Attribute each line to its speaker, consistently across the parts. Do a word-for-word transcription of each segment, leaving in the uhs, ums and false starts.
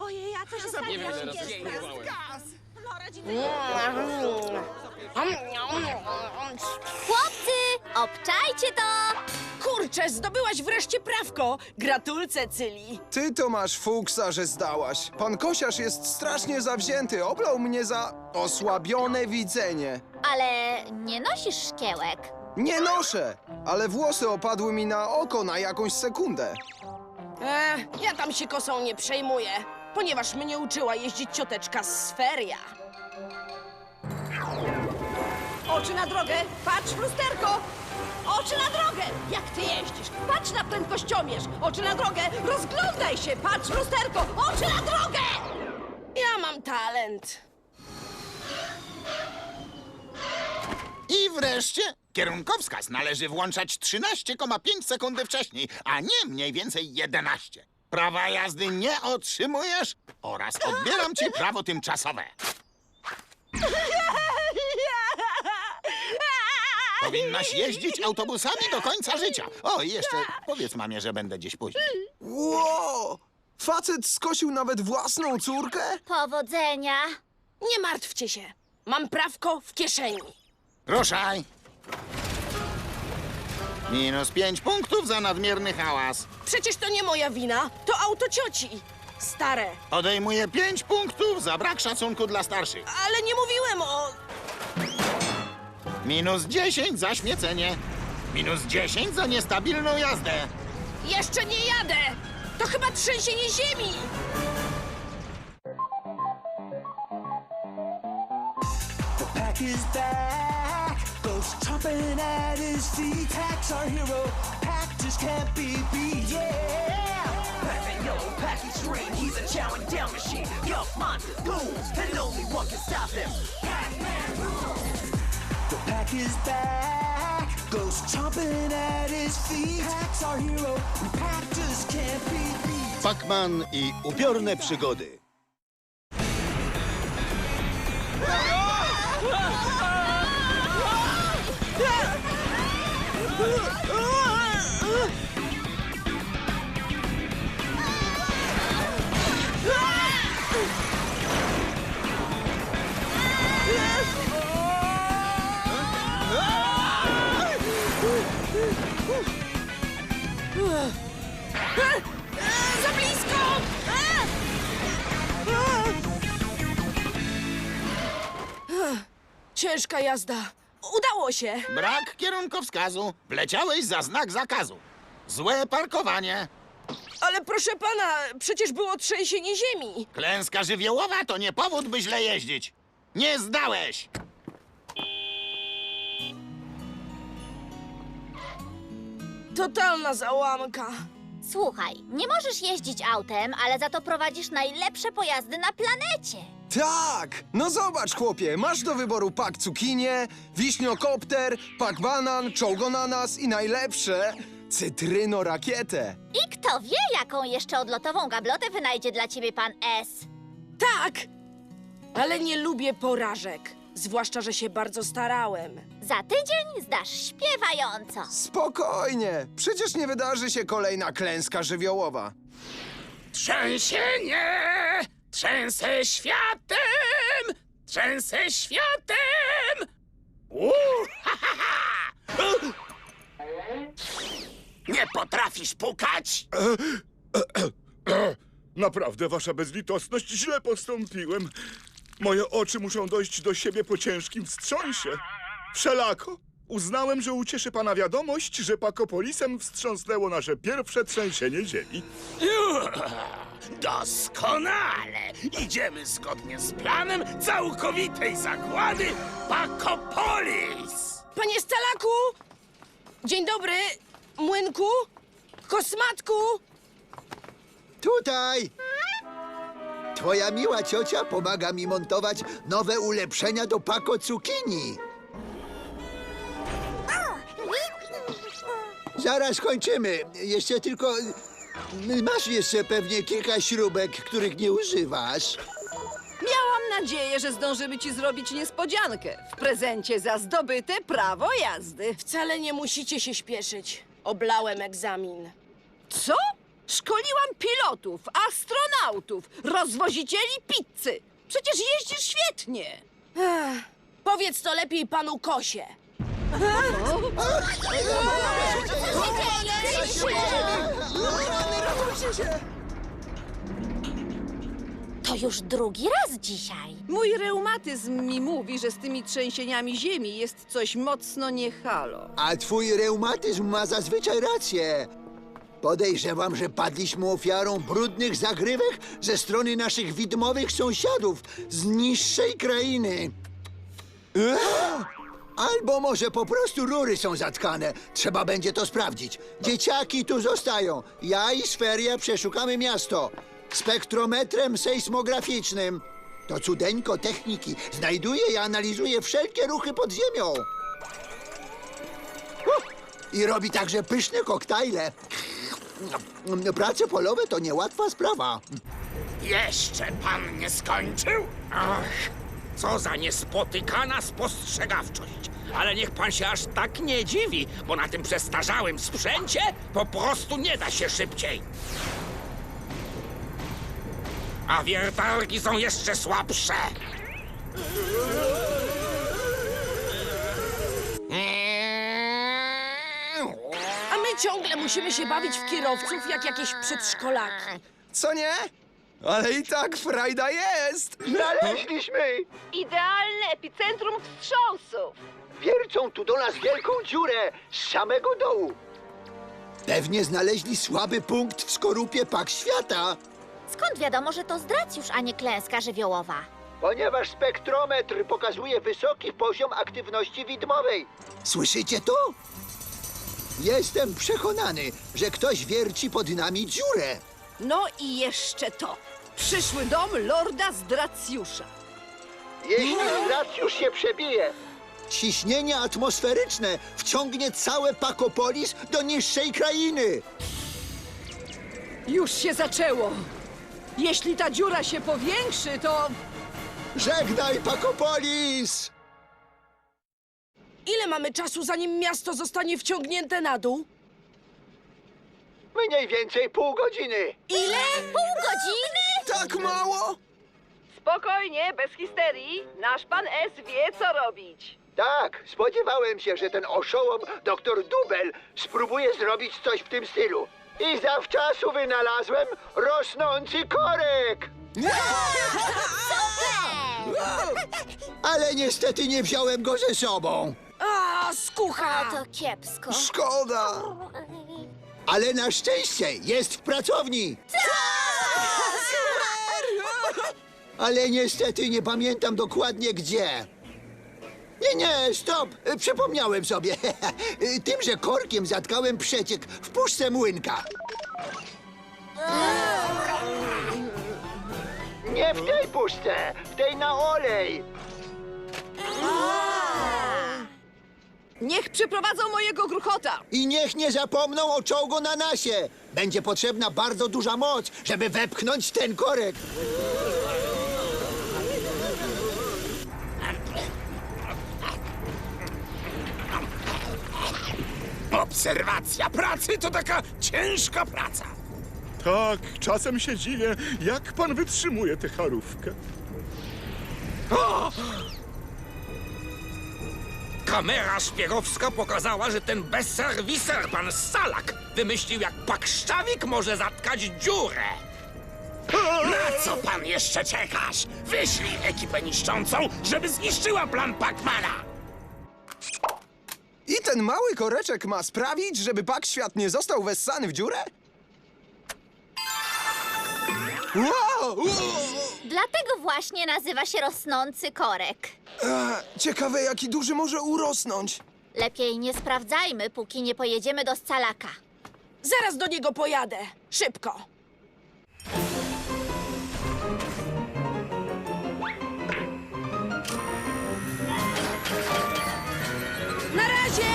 Speaker 1: Ojej, a co się stało?
Speaker 2: Nie wiem,
Speaker 1: Jaki
Speaker 2: zaraz
Speaker 1: jest
Speaker 2: się
Speaker 1: gaz?
Speaker 2: próbowałem.
Speaker 1: No, rodzice...
Speaker 3: Chłopcy, obczajcie to!
Speaker 4: Kurczę, zdobyłaś wreszcie prawko! Gratulce, Cyli!
Speaker 5: Ty to masz fuksa, że zdałaś. Pan Kosiarz jest strasznie zawzięty. Oblał mnie za osłabione widzenie.
Speaker 3: Ale nie nosisz szkiełek.
Speaker 5: Nie noszę, ale włosy opadły mi na oko na jakąś sekundę.
Speaker 4: E, ja tam się kosą nie przejmuję, ponieważ mnie uczyła jeździć cioteczka z Sferia.
Speaker 1: Oczy na drogę, patrz w lusterko! Oczy na drogę! Jak ty jeździsz? Patrz na prędkościomierz! Oczy na drogę! Rozglądaj się! Patrz w lusterko! Oczy na drogę!
Speaker 4: Ja mam talent.
Speaker 6: I wreszcie kierunkowskaz należy włączać trzynaście przecinek pięć sekundy wcześniej, a nie mniej więcej jedenaście. Prawa jazdy nie otrzymujesz oraz odbieram ci prawo tymczasowe. Powinnaś jeździć autobusami do końca życia. O, i jeszcze powiedz mamie, że będę gdzieś później.
Speaker 5: Ło! Facet skosił nawet własną córkę?
Speaker 3: Powodzenia!
Speaker 4: Nie martwcie się, mam prawko w kieszeni.
Speaker 6: Ruszaj! Minus pięć punktów za nadmierny hałas.
Speaker 4: Przecież to nie moja wina, to auto cioci. Stare,
Speaker 6: Odejmuję pięć punktów za brak szacunku dla starszych.
Speaker 4: ale nie mówiłem o...
Speaker 6: Minus dziesięć za śmiecenie. Minus dziesięć za niestabilną jazdę.
Speaker 4: Jeszcze nie jadę! To chyba trzęsienie ziemi!
Speaker 7: The pack is back, goes chomping at his feet. Pack's our hero, Pack just can't be beat. Yeah! Pac-Man, yo, Pack extreme, he's a chowing down machine. Yup, monster goons, and only one can stop them. Pac-Man rules. The pack is back, goes chomping at his feet. Pack's our hero, and Pack just can't be beat.
Speaker 8: Pac-Man i upiorne przygody.
Speaker 4: Za blisko! Ciężka jazda. Udało się.
Speaker 6: Brak kierunkowskazu. Wleciałeś za znak zakazu. Złe parkowanie.
Speaker 4: Ale proszę pana, przecież było trzęsienie ziemi.
Speaker 6: Klęska żywiołowa to nie powód, by źle jeździć. Nie zdałeś.
Speaker 4: Totalna załamka.
Speaker 3: Słuchaj, nie możesz jeździć autem, ale za to prowadzisz najlepsze pojazdy na planecie.
Speaker 5: Tak! No zobacz, chłopie, masz do wyboru pak cukinię, wiśniokopter, pak banan, czołgonanas i najlepsze cytryno rakietę.
Speaker 3: I kto wie, jaką jeszcze odlotową gablotę wynajdzie dla ciebie pan S.
Speaker 4: Tak! Ale nie lubię porażek. Zwłaszcza, że się bardzo starałem.
Speaker 3: Za tydzień zdasz śpiewająco.
Speaker 5: Spokojnie, przecież nie wydarzy się kolejna klęska żywiołowa.
Speaker 2: Trzęsienie! Trzęsę światem! Trzęsę światem! Uuu, ha, ha, ha. Nie potrafisz pukać?
Speaker 9: Naprawdę, wasza bezlitosność, źle postąpiłem. Moje oczy muszą dojść do siebie po ciężkim wstrząsie. Wszelako uznałem, że ucieszy pana wiadomość, że Pakopolisem wstrząsnęło nasze pierwsze trzęsienie ziemi.
Speaker 2: Doskonale! Idziemy zgodnie z planem całkowitej zagłady Pakopolis!
Speaker 4: Panie Stalaku! Dzień dobry, Młynku, Kosmatku!
Speaker 10: Tutaj! Twoja miła ciocia pomaga mi montować nowe ulepszenia do Paco Cukinii. Zaraz kończymy. Jeszcze tylko... Masz jeszcze pewnie kilka śrubek, których nie używasz.
Speaker 1: Miałam nadzieję, że zdążymy ci zrobić niespodziankę w prezencie za zdobyte prawo jazdy.
Speaker 4: Wcale nie musicie się śpieszyć. Oblałem egzamin.
Speaker 1: Co? Szkoliłam pilotów, astronautów. kosmonautów, rozwozicieli pizzy. Przecież jeździsz świetnie.
Speaker 4: Ech, powiedz to lepiej panu Kosie.
Speaker 3: To już drugi raz dzisiaj.
Speaker 1: Mój reumatyzm mi mówi, że z tymi trzęsieniami ziemi jest coś mocno nie halo.
Speaker 10: A twój reumatyzm ma zazwyczaj rację. Podejrzewam, że padliśmy ofiarą brudnych zagrywek ze strony naszych widmowych sąsiadów z niższej krainy. Albo może po prostu rury są zatkane. Trzeba będzie to sprawdzić. Dzieciaki tu zostają. Ja i Sferia przeszukamy miasto. Spektrometrem sejsmograficznym. To cudeńko techniki. Znajduje i analizuje wszelkie ruchy pod ziemią. Uh, I robi także pyszne koktajle. Prace polowe to niełatwa sprawa.
Speaker 2: Jeszcze pan nie skończył?
Speaker 11: Ach, co za niespotykana spostrzegawczość. Ale niech pan się aż tak nie dziwi, bo na tym przestarzałym sprzęcie po prostu nie da się szybciej. A wiertarki są jeszcze słabsze.
Speaker 4: A my ciągle musimy się bawić w kierowców jak jakieś przedszkolaki.
Speaker 5: Co nie? Ale i tak frajda jest!
Speaker 10: Znaleźliśmy!
Speaker 1: Idealne epicentrum wstrząsów.
Speaker 10: Wiercą tu do nas wielką dziurę z samego dołu. Pewnie znaleźli słaby punkt w skorupie Pak Świata.
Speaker 3: Skąd wiadomo, że to zdracjusz, a nie klęska żywiołowa?
Speaker 10: Ponieważ spektrometr pokazuje wysoki poziom aktywności widmowej. Słyszycie to? Jestem przekonany, że ktoś wierci pod nami dziurę.
Speaker 1: No i jeszcze to. Przyszły dom lorda Zdracjusza.
Speaker 10: Jeśli Zdracjusz się przebije, ciśnienie atmosferyczne wciągnie całe Pakopolis do niższej krainy.
Speaker 1: Już się zaczęło. Jeśli ta dziura się powiększy, to...
Speaker 10: Żegnaj, Pakopolis!
Speaker 4: Ile mamy czasu, zanim miasto zostanie wciągnięte na dół?
Speaker 10: Mniej więcej pół godziny.
Speaker 3: Ile? Pół godziny?
Speaker 5: Tak mało?
Speaker 1: Spokojnie, bez histerii. Nasz pan S wie, co robić.
Speaker 10: Tak, spodziewałem się, że ten oszołom, doktor Dubel, spróbuje zrobić coś w tym stylu. I zawczasu wynalazłem rosnący korek! Ale niestety nie wziąłem go ze sobą.
Speaker 4: A,
Speaker 3: O,
Speaker 4: skucha!
Speaker 3: to kiepsko.
Speaker 5: Szkoda!
Speaker 10: Ale na szczęście jest w pracowni. Ale niestety nie pamiętam dokładnie gdzie. Nie, nie, stop! Przypomniałem sobie. Tymże korkiem zatkałem przeciek w puszce młynka. Nie w tej puszce, w tej na olej.
Speaker 1: Niech przyprowadzą mojego gruchota.
Speaker 10: I niech nie zapomną o czołgu na nasie. Będzie potrzebna bardzo duża moc, żeby wepchnąć ten korek.
Speaker 2: Obserwacja pracy to taka ciężka praca.
Speaker 9: Tak, czasem się dziwię, jak pan wytrzymuje tę charówkę.
Speaker 2: O!
Speaker 11: Kamera szpiegowska pokazała, że ten bezserwiser, pan Salak, wymyślił, jak pakszczawik może zatkać dziurę.
Speaker 2: Na co pan jeszcze czekasz? Wyślij ekipę niszczącą, żeby zniszczyła plan Pacmana.
Speaker 5: I ten mały koreczek ma sprawić, żeby Pak Świat nie został wessany w dziurę? Wow!
Speaker 3: Dlatego właśnie nazywa się rosnący korek.
Speaker 5: E, ciekawe, jaki duży może urosnąć.
Speaker 3: Lepiej nie sprawdzajmy, póki nie pojedziemy do Scalaka.
Speaker 4: Zaraz do niego pojadę. Szybko. Na razie!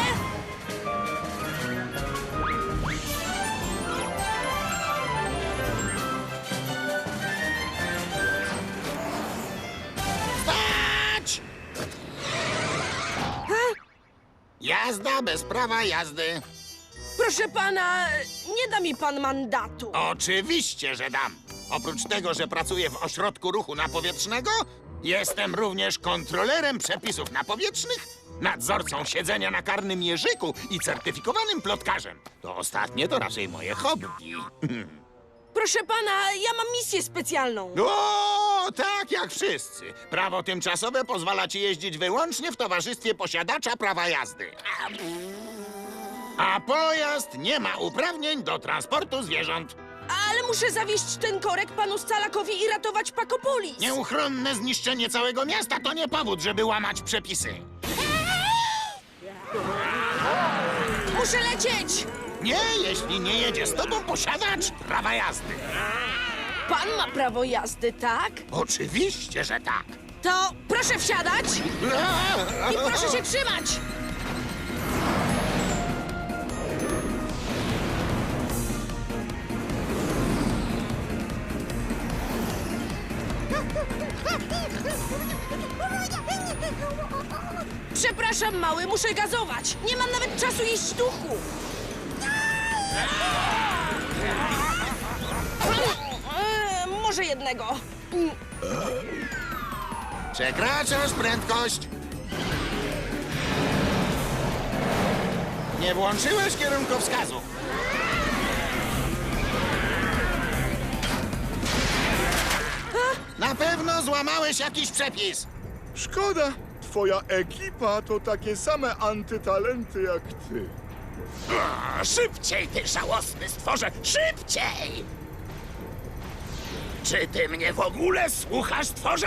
Speaker 6: Stać! Jazda bez prawa jazdy.
Speaker 4: Proszę pana, nie da mi pan mandatu.
Speaker 6: Oczywiście, że dam. Oprócz tego, że pracuję w ośrodku ruchu napowietrznego, jestem również kontrolerem przepisów napowietrznych, nadzorcą siedzenia na karnym jeżyku i certyfikowanym plotkarzem. To ostatnie to raczej moje hobby.
Speaker 4: Proszę pana, ja mam misję specjalną.
Speaker 6: O, tak jak wszyscy. Prawo tymczasowe pozwala ci jeździć wyłącznie w towarzystwie posiadacza prawa jazdy. A pojazd nie ma uprawnień do transportu zwierząt.
Speaker 4: Ale muszę zawieźć ten korek panu Scalakowi i ratować Pakopolis.
Speaker 6: Nieuchronne zniszczenie całego miasta to nie powód, żeby łamać przepisy.
Speaker 4: Muszę lecieć!
Speaker 6: Nie, jeśli nie jedzie z tobą posiadacz prawa jazdy.
Speaker 4: Pan ma prawo jazdy, tak?
Speaker 6: Oczywiście, że tak.
Speaker 4: To proszę wsiadać i proszę się trzymać! Przepraszam, mały, muszę gazować. Nie mam nawet czasu jeść duchu. E, może jednego.
Speaker 6: Przekraczasz prędkość. Nie włączyłeś kierunkowskazu. Na pewno złamałeś jakiś przepis.
Speaker 9: Szkoda. Twoja ekipa to takie same antytalenty jak ty.
Speaker 2: O, szybciej, ty żałosny stworze! Szybciej! Czy ty mnie w ogóle słuchasz, stworze?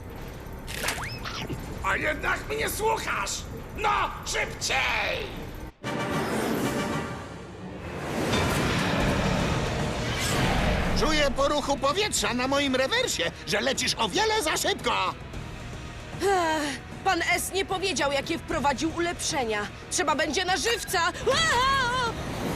Speaker 2: A jednak mnie słuchasz! No, szybciej!
Speaker 6: Czuję po ruchu powietrza na moim rewersie, że lecisz o wiele za szybko.
Speaker 4: Ech, pan S. nie powiedział, jakie wprowadził ulepszenia. Trzeba będzie na żywca. Aaaa!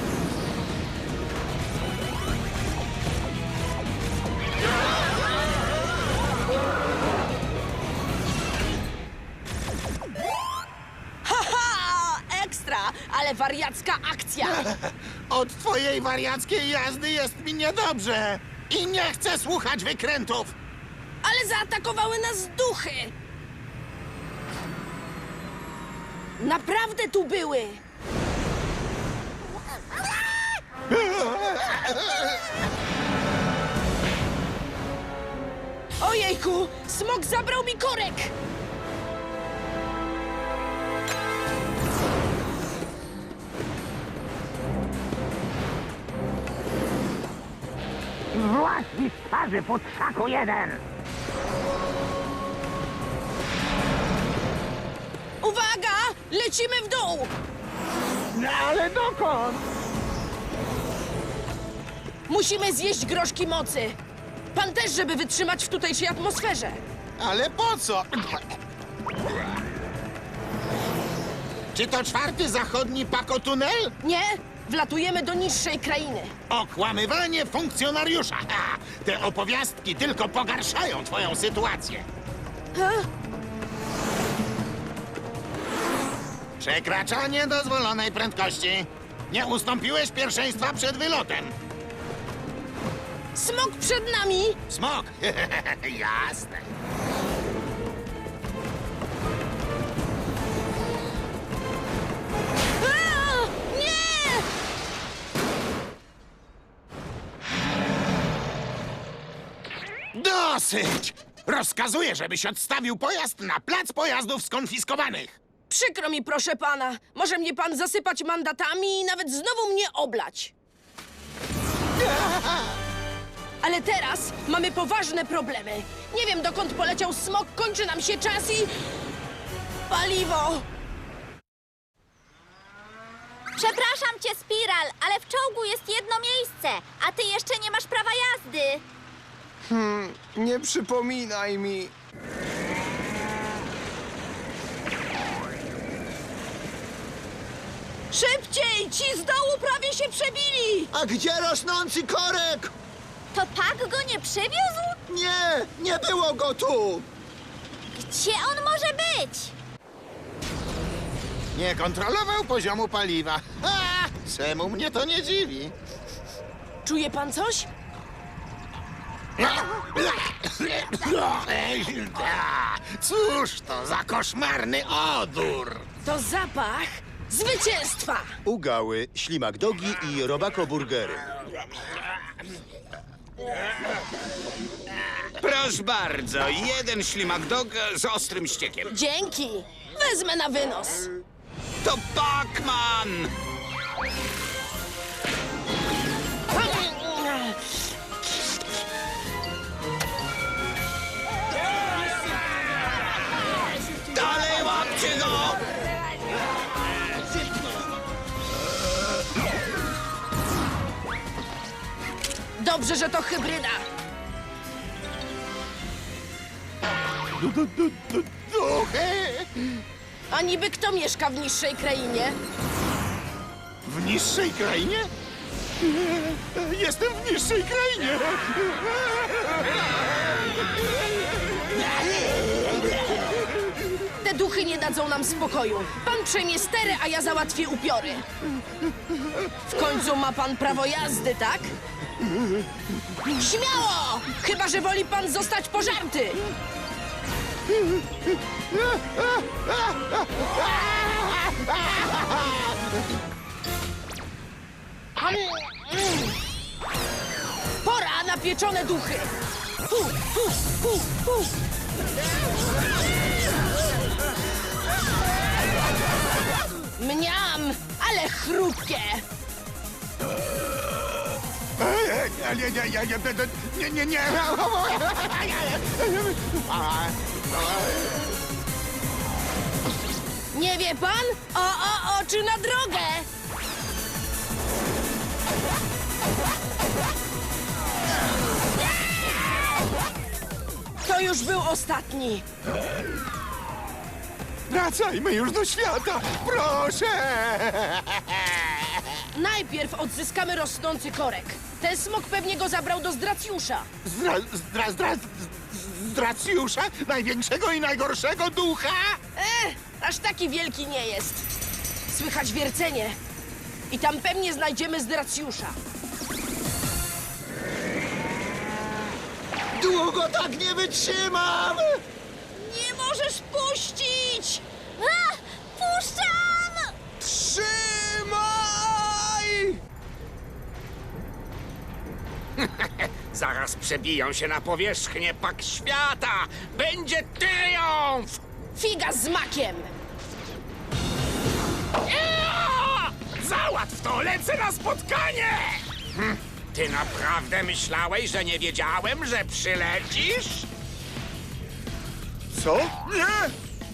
Speaker 4: Haha! Ekstra! Ale wariacka akcja!
Speaker 6: Od twojej wariackiej jazdy jest mi niedobrze. I nie chcę słuchać wykrętów.
Speaker 4: Ale zaatakowały nas duchy! Naprawdę tu były! Ojejku! Smok zabrał mi korek!
Speaker 2: Właśnie z twarzy podszaku jeden!
Speaker 4: Uwaga! Lecimy w dół!
Speaker 2: No ale dokąd?
Speaker 4: Musimy zjeść groszki mocy. Pan też, żeby wytrzymać w tutejszej atmosferze.
Speaker 6: Ale po co? Czy to czwarty zachodni pakotunel?
Speaker 4: Nie, wlatujemy do niższej krainy.
Speaker 6: Okłamywanie funkcjonariusza. Ha! Te opowiastki tylko pogarszają twoją sytuację.
Speaker 4: Ha?
Speaker 6: Przekraczanie dozwolonej prędkości. Nie ustąpiłeś pierwszeństwa przed wylotem.
Speaker 4: Smok przed nami!
Speaker 6: Smok! Jasne.
Speaker 4: A! Nie!
Speaker 6: Dosyć! Rozkazuję, żebyś odstawił pojazd na plac pojazdów skonfiskowanych.
Speaker 4: Przykro mi, proszę pana. Może mnie pan zasypać mandatami i nawet znowu mnie oblać. Ale teraz mamy poważne problemy. Nie wiem, dokąd poleciał smok, kończy nam się czas i... paliwo!
Speaker 3: Przepraszam cię, Spiral, ale w czołgu jest jedno miejsce, a ty jeszcze nie masz prawa jazdy.
Speaker 5: Hmm, nie przypominaj mi.
Speaker 1: Szybciej! Ci z dołu prawie się przebili!
Speaker 10: A gdzie rosnący korek?
Speaker 3: To Pak go nie przywiózł?
Speaker 10: Nie, nie było go tu!
Speaker 3: Gdzie on może być?
Speaker 6: Nie kontrolował poziomu paliwa. Ha! Czemu mnie to nie dziwi?
Speaker 4: Czuje pan coś?
Speaker 6: Cóż to za koszmarny odór!
Speaker 4: To zapach zwycięstwa!
Speaker 8: Ugały, ślimak dogi i robako burgery.
Speaker 11: Proszę bardzo, jeden ślimak dog z ostrym ściekiem.
Speaker 4: Dzięki! Wezmę na wynos.
Speaker 11: To Pac-Man! Dalej łapcie go!
Speaker 4: Dobrze, że to hybryda.
Speaker 6: Duchy!
Speaker 4: A niby kto mieszka w niższej krainie?
Speaker 6: W niższej krainie? Jestem w niższej krainie!
Speaker 4: Te duchy nie dadzą nam spokoju. Pan przejmie stery, a ja załatwię upiory. W końcu ma pan prawo jazdy, tak? Śmiało! Chyba że woli pan zostać pożarty. Pora na pieczone duchy. Hu, hu, hu, hu. Mniam, ale chrupkie.
Speaker 6: Nie, nie, nie, nie, nie, nie, nie.
Speaker 4: Nie wie pan? O, o, oczy na drogę! To już był ostatni.
Speaker 6: Wracajmy już do świata, proszę!
Speaker 4: Najpierw odzyskamy rosnący korek. Ten smok pewnie go zabrał do Zdracjusza.
Speaker 6: Zdra, zdra, zdra, zdracjusza? Największego i najgorszego ducha?
Speaker 4: Eh, aż taki wielki nie jest. Słychać wiercenie. I tam pewnie znajdziemy Zdracjusza.
Speaker 10: Długo tak nie wytrzymam!
Speaker 1: Nie możesz puścić!
Speaker 3: A, puszczam!
Speaker 5: Trzymaj!
Speaker 11: Zaraz przebiją się na powierzchnię pak świata! Będzie triumf!
Speaker 4: Figa z makiem!
Speaker 11: Ea! Załatw to, lecę na spotkanie! Hm, ty naprawdę myślałeś, że nie wiedziałem, że przylecisz?
Speaker 9: Co? Nie!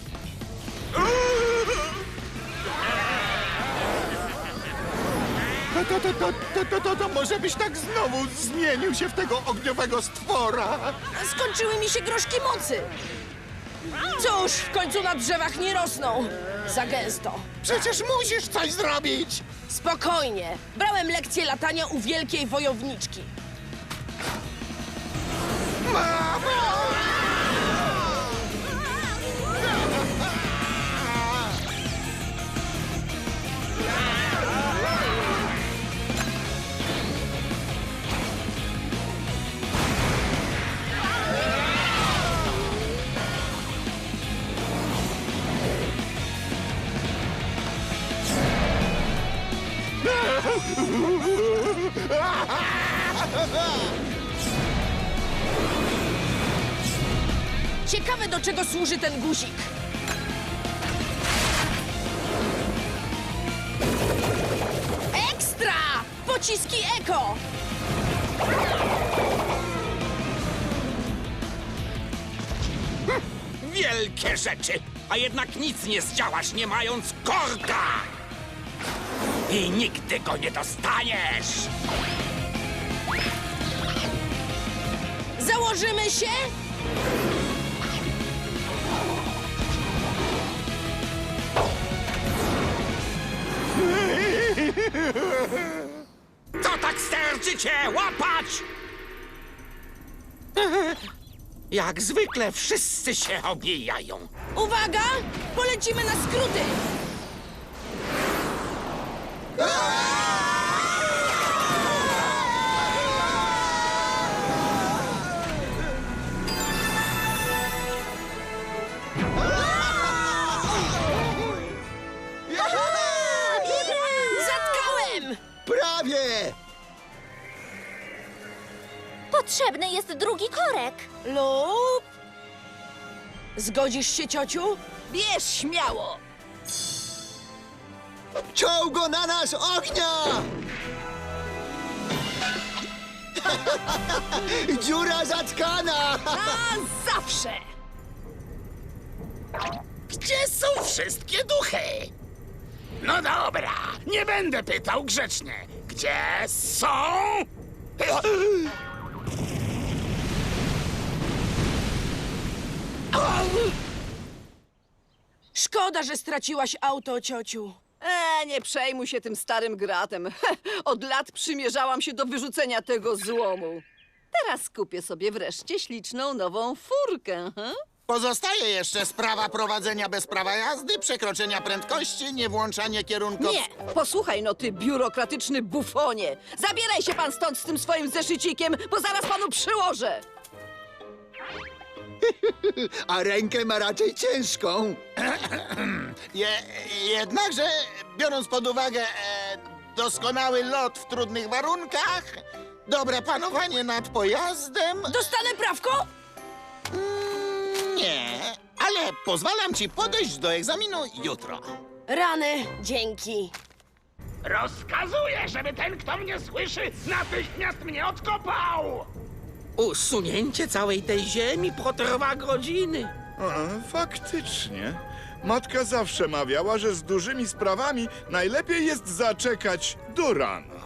Speaker 6: To, to, to, to, to, to, to, to może byś tak znowu zmienił się w tego ogniowego stwora?
Speaker 4: Skończyły mi się groszki mocy. Cóż, w końcu na drzewach nie rosną. Za gęsto.
Speaker 6: Przecież musisz coś zrobić!
Speaker 4: Spokojnie. Brałem lekcję latania u wielkiej wojowniczki.
Speaker 6: Mamo!
Speaker 4: Ciekawe, do czego służy ten guzik. Ekstra! Pociski eko!
Speaker 11: Wielkie rzeczy! A jednak nic nie zdziałasz, nie mając korka! I nigdy go nie dostaniesz!
Speaker 4: Założymy się?
Speaker 11: Co tak sterczycie? Łapać! Jak zwykle wszyscy się obijają.
Speaker 4: Uwaga! Polecimy na skróty!
Speaker 3: Potrzebny jest drugi korek.
Speaker 4: Lub... Zgodzisz się, ciociu?
Speaker 1: Bierz śmiało!
Speaker 10: Czołgo na nas ognia! Dziura zatkana!
Speaker 1: Na zawsze!
Speaker 2: Gdzie są wszystkie duchy? No dobra, nie będę pytał grzecznie. Gdzie są?
Speaker 4: Szkoda, że straciłaś auto, ciociu.
Speaker 1: E, nie przejmuj się tym starym gratem. Od lat przymierzałam się do wyrzucenia tego złomu. Teraz kupię sobie wreszcie śliczną nową furkę. He?
Speaker 6: Pozostaje jeszcze sprawa prowadzenia bez prawa jazdy, przekroczenia prędkości, niewłączanie kierunków...
Speaker 1: Nie! Posłuchaj no, ty biurokratyczny bufonie! Zabieraj się pan stąd z tym swoim zeszycikiem, bo zaraz panu przyłożę!
Speaker 10: A rękę ma raczej ciężką.
Speaker 6: Je, jednakże, biorąc pod uwagę e, doskonały lot w trudnych warunkach, dobre panowanie nad pojazdem...
Speaker 4: Dostanę prawko?
Speaker 6: Nie, ale pozwalam ci podejść do egzaminu jutro.
Speaker 4: Rany, dzięki.
Speaker 2: Rozkazuję, żeby ten, kto mnie słyszy, natychmiast mnie odkopał!
Speaker 11: Usunięcie całej tej ziemi potrwa godziny.
Speaker 9: A, faktycznie. Matka zawsze mawiała, że z dużymi sprawami najlepiej jest zaczekać do rana.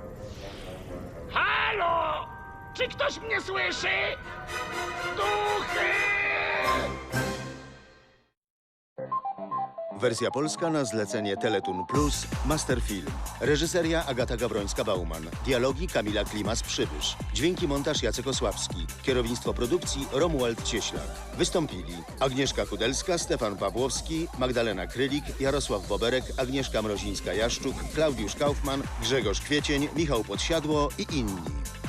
Speaker 2: Halo! Czy ktoś mnie słyszy? Duchy!
Speaker 8: Wersja polska na zlecenie Teletun Plus, Masterfilm. Reżyseria Agata Gawrońska-Bauman. Dialogi Kamila Klimas-Przybysz. Dźwięki montaż Jacek Osławski. Kierownictwo produkcji Romuald Cieślak. Wystąpili Agnieszka Kudelska, Stefan Pawłowski, Magdalena Krylik, Jarosław Boberek, Agnieszka Mrozińska-Jaszczuk, Klaudiusz Kaufman, Grzegorz Kwiecień, Michał Podsiadło i inni.